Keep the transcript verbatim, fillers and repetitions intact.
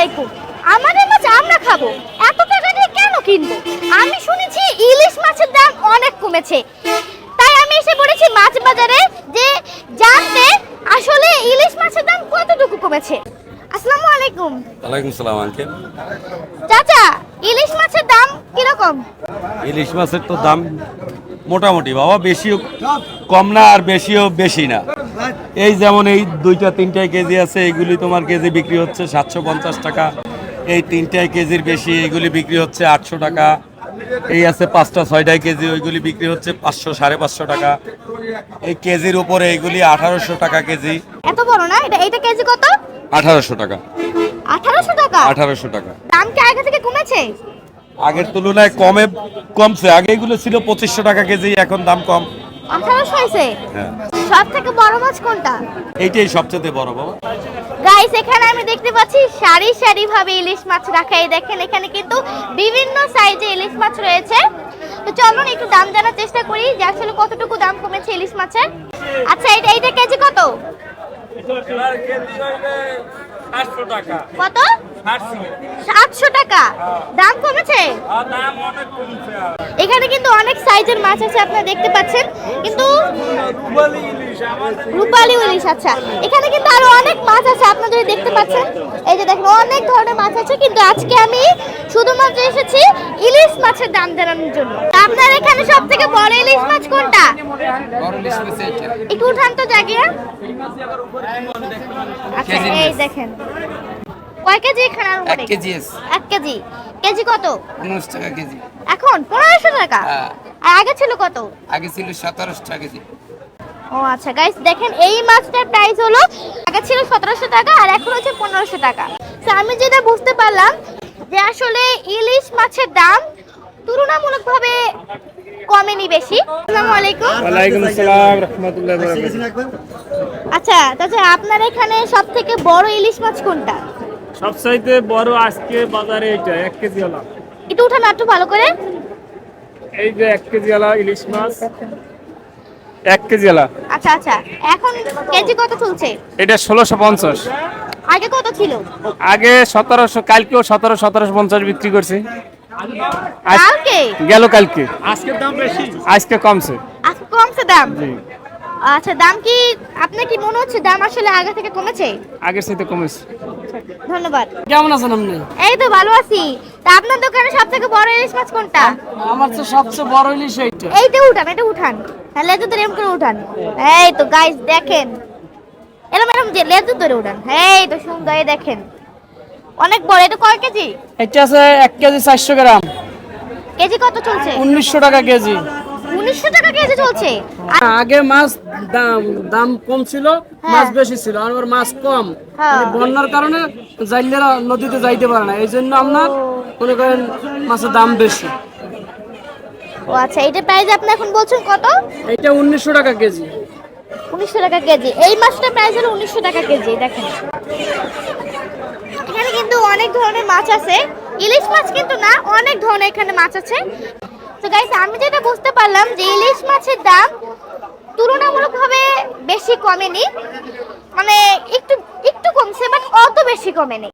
আলাইকুম। আমাদের মাছ আমরা খাবো, এত টাকা দিয়ে কেন কিনবো? আমি শুনেছি ইলিশ মাছের দাম অনেক কমেছে, তাই আমি এসে পড়েছি মাছ বাজারে যে জানতে আসলে ইলিশ মাছের দাম কতটুকু কমেছে। আসসালামু আলাইকুম। ওয়ালাইকুম সালাম আঙ্কেল। চাচা, ইলিশ মাছের দাম কিরকম? ইলিশ মাছের তো দাম মোটামুটি বাবা, বেশিও কম না আর বেশিও বেশি না। এই যেমন এই দুইটা তিনটায় কেজি আছে, এইগুলি তোমার কেজি বিক্রি হচ্ছে সাতশো পঞ্চাশ টাকা। এই তিনটায় কেজির বেশি এইগুলি বিক্রি হচ্ছে আটশো টাকা। এই আছে পাঁচটা ছয়টায় কেজি, ওইগুলি বিক্রি হচ্ছে পাঁচশো সাড়ে পাঁচশো টাকা। এই কেজির উপরে এইগুলি আঠারোশো টাকা কেজি। এত বড় না এটা, এটা কেজি কত? আঠারোশো টাকা। আঠারোশো টাকা? আঠারোশো টাকা। দাম কি আগে থেকে কমেছে? আগের তুলনায় কমে কমছে। আগে এগুলো ছিল পঁচিশশো টাকা কেজি, এখন দাম কম। আঠারোশো হয়েছে? হ্যাঁ। সব থেকে বড় মাছ কোনটা? এইটাই সবচেয়ে বড় বাবা। গাইস, এখানে আমি দেখতে পাচ্ছি সারি সারি ভাবে ইলিশ মাছ রাখা। এই দেখেন, এখানে কিন্তু বিভিন্ন সাইজে ইলিশ মাছ রয়েছে। তো চলুন একটু দাম জানার চেষ্টা করি যে আসলে কতটুকু দাম কমেছে ইলিশ মাছের। আচ্ছা, এটা এইটা কেজি কত? কত? সাতশো টাকা। দাম কমেছে? এখানে কিন্তু অনেক সাইজের মাছ আছে, আপনারা দেখতে পাচ্ছেন। কিন্তু রূপালী ইলিশ। আচ্ছা, এখানে কিন্তু আরো অনেক মাছ আছে, আপনারা যদি দেখতে পাচ্ছেন। এই যে দেখেন, অনেক ধরনের মাছ আছে, কিন্তু আজকে আমি শুধুমাত্র এসেছি ইলিশ মাছের দাম জানানোর জন্য। আপনার এখানে সব থেকে বড় ইলিশ মাছ কোনটা? একটু উঠান তো জায়গা। আচ্ছা, এই দেখেন কয় কেজি এখানে? এক কেজি আছে। এক কেজি। কেজি কত? পনেরোশো টাকা কেজি। এখন পনেরোশো টাকা? হ্যাঁ। আর আগে ছিল কত? আগে ছিল সতেরোশো টাকা কেজি। ও আচ্ছা গাইস, দেখেন এই মাছটার প্রাইস হলো আগে ছিল সতেরোশো টাকা আর এখন হচ্ছে পনেরোশো টাকা। তো আমি যেটা বুঝতে পারলাম যে আসলে ইলিশ মাছের দাম তুলনামূলকভাবে কমেনি বেশি। আসসালামু আলাইকুম। ওয়ালাইকুম আসসালাম রাহমাতুল্লাহি ওয়া বারাকাতুহু। আচ্ছা, তাহলে আপনার এখানে সবথেকে বড় ইলিশ মাছ কোনটা? সবচাইতে বড় আজকে বাজারে এটা এক কেজি ওলা। একটু উঠান একটু ভালো করে। এই যে এক কেজি ওলা ইলিশ মাছ, এক কেজি ওলা। আচ্ছা আচ্ছা, এখন কেজি কত চলছে? এটা ষোলোশো পঞ্চাশ। আগে কত ছিল? আগে সতেরোশো, কালকেও সতেরো সতেরোশো পঞ্চাশ বিক্রি করছে। আজ- কালকে? গেল কালকে। আজকের দাম বেশি, আজকে কমছে। আজকে কমছে দাম? জি। আচ্ছা, দাম কি আপনার কি মনে হচ্ছে দাম আসলে আগে থেকে কমেছে? আগের সাথে কমেছে। ধন্যবাদ। কেমন আছেন আপনি? এই তো ভালো আছি। তা আপনার দোকানে সবথেকে বড় ইলিশ মাছ কোনটা? আমার তো সবচেয়ে বড় ইলিশ এইটা। এইটা উঠান, এটা উঠান। হ্যাঁ, লেজু ধরে এরকম করে উঠান। এই তো গাইস দেখেন, এরকম এরকম যে লেজু ধরে উঠান। এই তো সুন্দর, এই দেখেন অনেক বড়। এটা কয় কেজি? এটা আছে এক কেজি চারশো গ্রাম। কেজি কত চলছে? উনিশশো টাকা কেজি। উনিশশো টাকা কেজি চলছে? আর আগে মাছ দাম দাম কম ছিল, মাছ বেশি ছিল, আর এবার মাছ কম। হ্যাঁ। মানে বন্যার কারণে জাইলেরা নদীতে যাইতে পারে না, এই জন্য আপনার মনে করেন মাছের দাম বেশি। ও আচ্ছা, এটা প্রাইস আপনি এখন বলছেন কত? এইটা উনিশশো টাকা কেজি। উনিশশো টাকা কেজি। এই মাছটার প্রাইস হলো উনিশশো টাকা কেজি। দেখেন এখানে কিন্তু অনেক ধরনের মাছ আছে, ইলিশ মাছ কিন্তু না, অনেক ধরনের এখানে মাছ আছে। তো গাইস, আমি যেটা বুঝতে পারলাম যে ইলিশ মাছের দাম তুলনামূলকভাবে বেশি কমেনি, মানে একটু একটু কমছে, বাট অত বেশি কমেনি।